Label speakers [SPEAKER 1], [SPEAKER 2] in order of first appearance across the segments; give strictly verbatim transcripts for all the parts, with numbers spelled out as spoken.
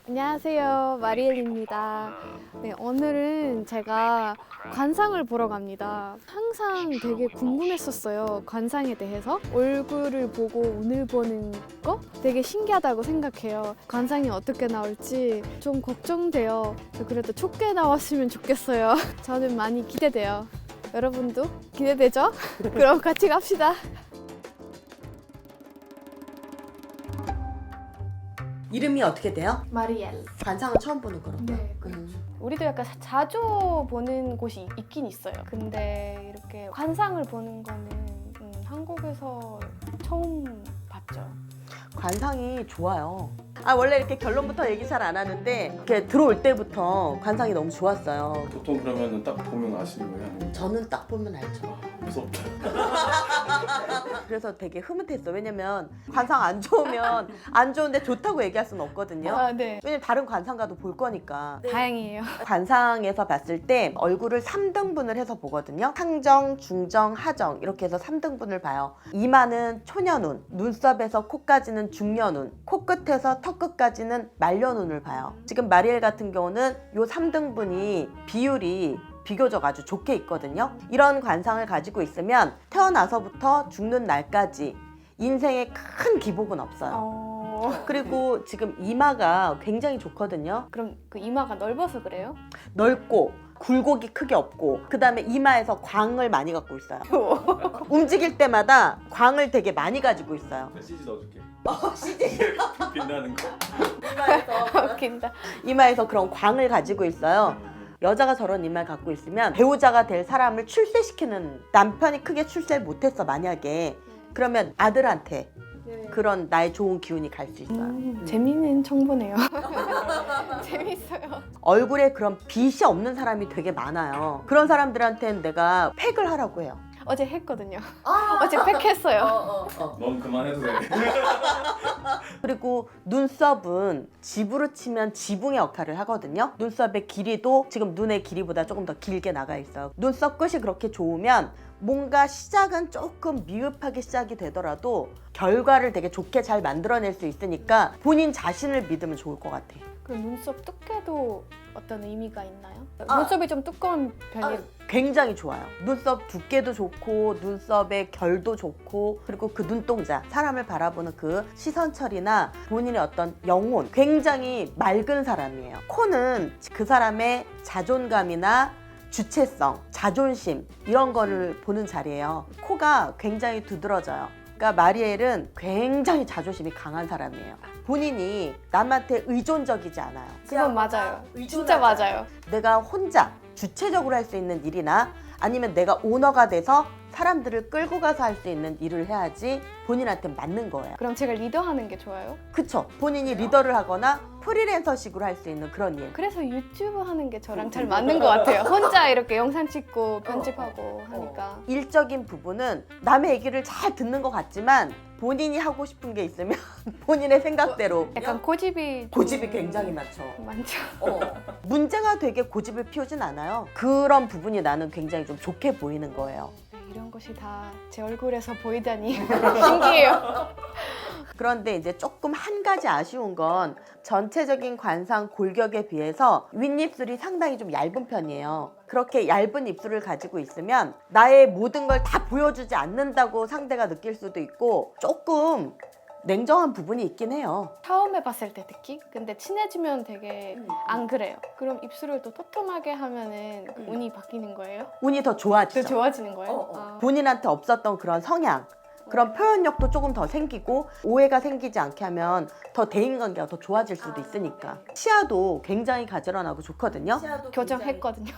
[SPEAKER 1] 안녕하세요, 마리엘입니다. 네, 오늘은 제가 관상을 보러 갑니다. 항상 되게 궁금했었어요, 관상에 대해서. 얼굴을 보고 운을 보는 거 되게 신기하다고 생각해요. 관상이 어떻게 나올지 좀 걱정돼요. 그래도 좋게 나왔으면 좋겠어요. 저는 많이 기대돼요. 여러분도 기대되죠? 그럼 같이 갑시다.
[SPEAKER 2] 이름이 어떻게 돼요?
[SPEAKER 1] 마리엘.
[SPEAKER 2] 관상을 처음 보는 거로.
[SPEAKER 1] 네.
[SPEAKER 2] 음.
[SPEAKER 1] 우리도 약간 자주 보는 곳이 있긴 있어요. 근데 이렇게 관상을 보는 거는 음, 한국에서 처음 봤죠.
[SPEAKER 2] 관상이 좋아요. 아 원래 이렇게 결론부터 얘기 잘 안 하는데 이렇게 들어올 때부터 관상이 너무 좋았어요.
[SPEAKER 3] 보통 그러면은 딱 보면 아시는 거예요? 아니면
[SPEAKER 2] 저는 딱 보면 알죠.
[SPEAKER 3] 무섭다.
[SPEAKER 2] 그래서 되게 흐뭇했어. 왜냐면 관상 안 좋으면 안 좋은데 좋다고 얘기할 수는 없거든요.
[SPEAKER 1] 아, 네.
[SPEAKER 2] 왜냐면 다른 관상가도 볼 거니까.
[SPEAKER 1] 다행이에요.
[SPEAKER 2] 관상에서 봤을 때 얼굴을 삼 등분을 해서 보거든요. 상정, 중정, 하정 이렇게 해서 삼 등분을 봐요. 이마는 초년운, 눈썹에서 코까지는 중년운, 코끝에서 턱끝까지는 말년운을 봐요. 지금 마리엘 같은 경우는 이 삼 등분이 비율이 비교적 아주 좋게 있거든요. 이런 관상을 가지고 있으면 태어나서부터 죽는 날까지 인생에 큰 기복은 없어요.
[SPEAKER 1] 어...
[SPEAKER 2] 그리고 지금 이마가 굉장히 좋거든요.
[SPEAKER 1] 그럼 그 이마가 넓어서 그래요?
[SPEAKER 2] 넓고 굴곡이 크게 없고 그 다음에 이마에서 광을 많이 갖고 있어요. 움직일 때마다 광을 되게 많이 가지고 있어요.
[SPEAKER 3] 씨지 넣어줄게.
[SPEAKER 2] 어, 씨지.
[SPEAKER 3] 빛나는 거.
[SPEAKER 2] 이마에서,
[SPEAKER 1] 웃긴다.
[SPEAKER 2] 이마에서 그런 광을 가지고 있어요. 여자가 저런 이마를 갖고 있으면 배우자가 될 사람을 출세시키는, 남편이 크게 출세를 못했어 만약에, 그러면 아들한테 그런 나의 좋은 기운이 갈 수 있어요.
[SPEAKER 1] 음, 재미있는 정보네요. 재밌어요.
[SPEAKER 2] 얼굴에 그런 빛이 없는 사람이 되게 많아요. 그런 사람들한테는 내가 팩을 하라고 해요.
[SPEAKER 1] 어제 했거든요. 어제 팩했어요.
[SPEAKER 3] 넌 그만해도 돼.
[SPEAKER 2] 그리고 눈썹은 집으로 치면 지붕의 역할을 하거든요. 눈썹의 길이도 지금 눈의 길이보다 조금 더 길게 나가 있어요. 눈썹 끝이 그렇게 좋으면 뭔가 시작은 조금 미흡하게 시작이 되더라도 결과를 되게 좋게 잘 만들어낼 수 있으니까 본인 자신을 믿으면 좋을 것 같아.
[SPEAKER 1] 그럼 눈썹 두께도 어떤 의미가 있나요?
[SPEAKER 2] 아.
[SPEAKER 1] 눈썹이 좀 두꺼운 편이
[SPEAKER 2] 굉장히 좋아요. 눈썹 두께도 좋고 눈썹의 결도 좋고 그리고 그 눈동자, 사람을 바라보는 그 시선 처리나 본인의 어떤 영혼, 굉장히 맑은 사람이에요. 코는 그 사람의 자존감이나 주체성, 자존심 이런 거를 보는 자리예요. 코가 굉장히 두드러져요. 그러니까 마리엘은 굉장히 자존심이 강한 사람이에요. 본인이 남한테 의존적이지 않아요.
[SPEAKER 1] 그건 맞아요. 진짜 맞아요.
[SPEAKER 2] 내가 혼자 주체적으로 할 수 있는 일이나 아니면 내가 오너가 돼서 사람들을 끌고 가서 할 수 있는 일을 해야지 본인한테 맞는 거예요.
[SPEAKER 1] 그럼 제가 리더하는 게 좋아요?
[SPEAKER 2] 그쵸? 본인이 리더를 하거나 프리랜서식으로 할 수 있는 그런 일.
[SPEAKER 1] 그래서 유튜브 하는 게 저랑 잘 맞는 것 같아요. 혼자 이렇게 영상 찍고 편집하고 하니까.
[SPEAKER 2] 일적인 부분은 남의 얘기를 잘 듣는 것 같지만 본인이 하고 싶은 게 있으면 본인의 생각대로
[SPEAKER 1] 약간 고집이 좀
[SPEAKER 2] 고집이 굉장히 많죠.
[SPEAKER 1] 많죠.
[SPEAKER 2] 어. 문제가 되게 고집을 피우진 않아요. 그런 부분이 나는 굉장히 좀 좋게 보이는 거예요.
[SPEAKER 1] 네, 이런 것이 다 제 얼굴에서 보이다니 신기해요.
[SPEAKER 2] 그런데 이제 조금 한 가지 아쉬운 건 전체적인 관상 골격에 비해서 윗입술이 상당히 좀 얇은 편이에요. 그렇게 얇은 입술을 가지고 있으면 나의 모든 걸 다 보여주지 않는다고 상대가 느낄 수도 있고 조금 냉정한 부분이 있긴 해요.
[SPEAKER 1] 처음에 봤을 때 특히 근데 친해지면 되게 안 그래요. 그럼 입술을 또 토톰하게 하면은 그 운이 바뀌는 거예요?
[SPEAKER 2] 운이 더
[SPEAKER 1] 더
[SPEAKER 2] 좋아지죠.
[SPEAKER 1] 좋아지는 거예요?
[SPEAKER 2] 어, 어.
[SPEAKER 1] 아.
[SPEAKER 2] 본인한테 없었던 그런 성향, 그런 표현력도 조금 더 생기고 오해가 생기지 않게 하면 더 대인관계가 더 좋아질 수도 있으니까. 치아도 굉장히 가지런하고 좋거든요.
[SPEAKER 1] 교정했거든요.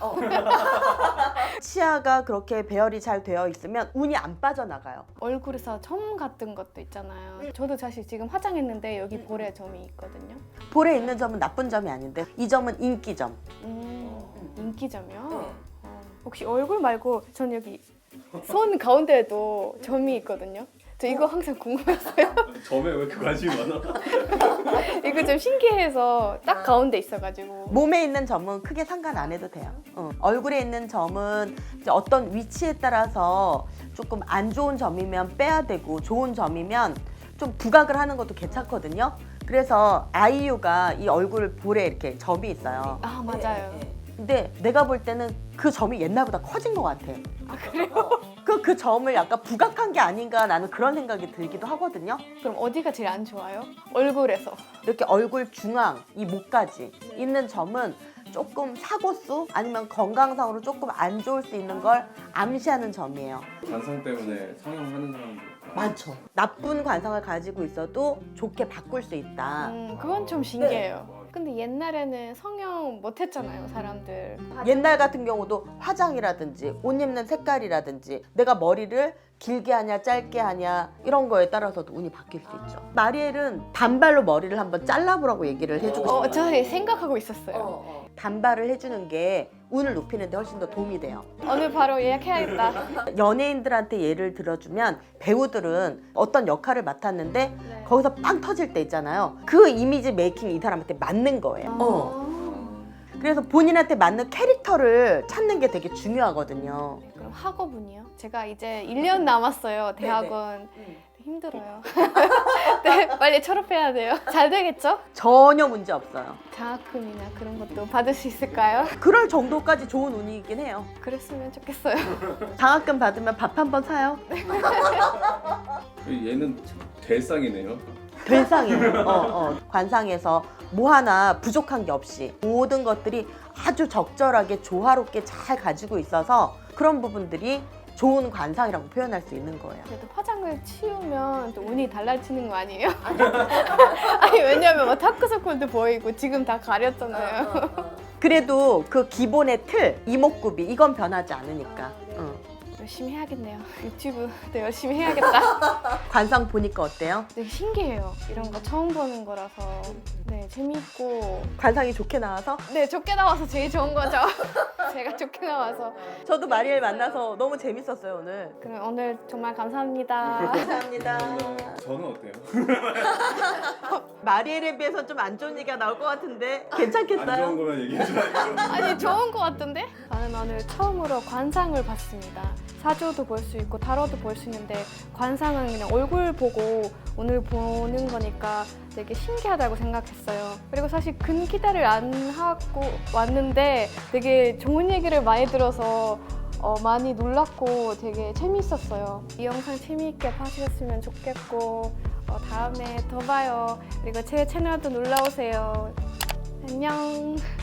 [SPEAKER 2] 치아가 그렇게 배열이 잘 되어 있으면 운이 안 빠져나가요.
[SPEAKER 1] 얼굴에서 점 같은 것도 있잖아요. 저도 사실 지금 화장했는데 여기 볼에 점이 있거든요.
[SPEAKER 2] 볼에 있는 점은 나쁜 점이 아닌데 이 점은 인기점.
[SPEAKER 1] 음, 인기점이요? 어, 혹시 얼굴 말고 전 여기 손 가운데에도 점이 있거든요. 저 이거 항상 궁금했어요.
[SPEAKER 3] 점에 왜 이렇게 관심이 많아?
[SPEAKER 1] 이거 좀 신기해서 딱 가운데 있어가지고.
[SPEAKER 2] 몸에 있는 점은 크게 상관 안 해도 돼요. 어. 얼굴에 있는 점은 이제 어떤 위치에 따라서 조금 안 좋은 점이면 빼야 되고 좋은 점이면 좀 부각을 하는 것도 괜찮거든요. 그래서 아이유가 이 얼굴 볼에 이렇게 점이 있어요.
[SPEAKER 1] 아 맞아요.
[SPEAKER 2] 근데 내가 볼 때는 그 점이 옛날보다 커진 것 같아.
[SPEAKER 1] 아 그래요?
[SPEAKER 2] 그, 그 점을 약간 부각한 게 아닌가 나는 그런 생각이 들기도 하거든요.
[SPEAKER 1] 그럼 어디가 제일 안 좋아요? 얼굴에서.
[SPEAKER 2] 이렇게 얼굴 중앙, 이 목까지 있는 점은 조금 사고수 아니면 건강상으로 조금 안 좋을 수 있는 걸 암시하는 점이에요.
[SPEAKER 3] 관상 때문에 성형하는 사람도
[SPEAKER 2] 많죠. 나쁜 관상을 가지고 있어도 좋게 바꿀 수 있다.
[SPEAKER 1] 음 그건 좀 신기해요. 근데 옛날에는 성형 못했잖아요 사람들.
[SPEAKER 2] 옛날 같은 경우도 화장이라든지 옷 입는 색깔이라든지 내가 머리를 길게 하냐 짧게 하냐 이런 거에 따라서도 운이 바뀔 수 있죠. 마리엘은 단발로 머리를 한번 잘라보라고 얘기를 해주고 싶어요.
[SPEAKER 1] 어, 저 생각하고 있었어요.
[SPEAKER 2] 단발을 해주는 게 운을 높이는 데 훨씬 더 도움이 돼요.
[SPEAKER 1] 오늘 바로 예약해야겠다.
[SPEAKER 2] 연예인들한테 예를 들어주면 배우들은 어떤 역할을 맡았는데
[SPEAKER 1] 네.
[SPEAKER 2] 거기서 빵 터질 때 있잖아요. 그 이미지 메이킹이 이 사람한테 맞는 거예요.
[SPEAKER 1] 아.
[SPEAKER 2] 어. 그래서 본인한테 맞는 캐릭터를 찾는 게 되게 중요하거든요.
[SPEAKER 1] 그럼 학업은요? 제가 이제 일 년 남았어요 대학원. 힘들어요. 네, 빨리 졸업해야 돼요. 잘 되겠죠?
[SPEAKER 2] 전혀 문제 없어요.
[SPEAKER 1] 장학금이나 그런 것도 받을 수 있을까요?
[SPEAKER 2] 그럴 정도까지 좋은 운이긴 해요.
[SPEAKER 1] 그랬으면 좋겠어요.
[SPEAKER 2] 장학금 받으면 밥 한 번 사요.
[SPEAKER 3] 얘는 될상이네요.
[SPEAKER 2] 될상이에요. 어, 어. 관상에서 뭐 하나 부족한 게 없이 모든 것들이 아주 적절하게 조화롭게 잘 가지고 있어서 그런 부분들이 좋은 관상이라고 표현할 수 있는 거예요.
[SPEAKER 1] 그래도 화장을 치우면 또 운이 달라지는 거 아니에요? 아니 왜냐면 뭐 다크서클도 보이고 지금 다 가렸잖아요.
[SPEAKER 2] 그래도 그 기본의 틀, 이목구비 이건 변하지 않으니까. 응.
[SPEAKER 1] 열심히 해야겠네요. 유튜브도 열심히 해야겠다.
[SPEAKER 2] 관상 보니까 어때요?
[SPEAKER 1] 되게 신기해요. 이런 거 처음 보는 거라서 네 재밌고
[SPEAKER 2] 관상이 좋게 나와서?
[SPEAKER 1] 네 좋게 나와서 제일 좋은 거죠. 제가 좋게 나와서.
[SPEAKER 2] 저도 마리엘 만나서 너무 재밌었어요 오늘.
[SPEAKER 1] 그럼 오늘 정말 감사합니다.
[SPEAKER 2] 감사합니다.
[SPEAKER 3] 저는 어때요?
[SPEAKER 2] 마리엘에 비해서 좀 안 좋은 얘기가 나올 것 같은데
[SPEAKER 3] 안 좋은
[SPEAKER 2] 괜찮겠어요?
[SPEAKER 3] 거면 얘기해 줘야죠.
[SPEAKER 1] 아니 좋은 거 같던데? 저는 오늘 처음으로 관상을 봤습니다. 사주도 볼 수 있고 타로도 볼 수 있는데 관상은 그냥 얼굴 보고 오늘 보는 거니까 되게 신기하다고 생각했어요. 그리고 사실 근 기대를 안 하고 왔는데 되게 좋은 얘기를 많이 들어서 어, 많이 놀랐고 되게 재밌었어요. 이 영상 재미있게 봐주셨으면 좋겠고 어, 다음에 더 봐요. 그리고 제 채널도 놀러 오세요. 안녕.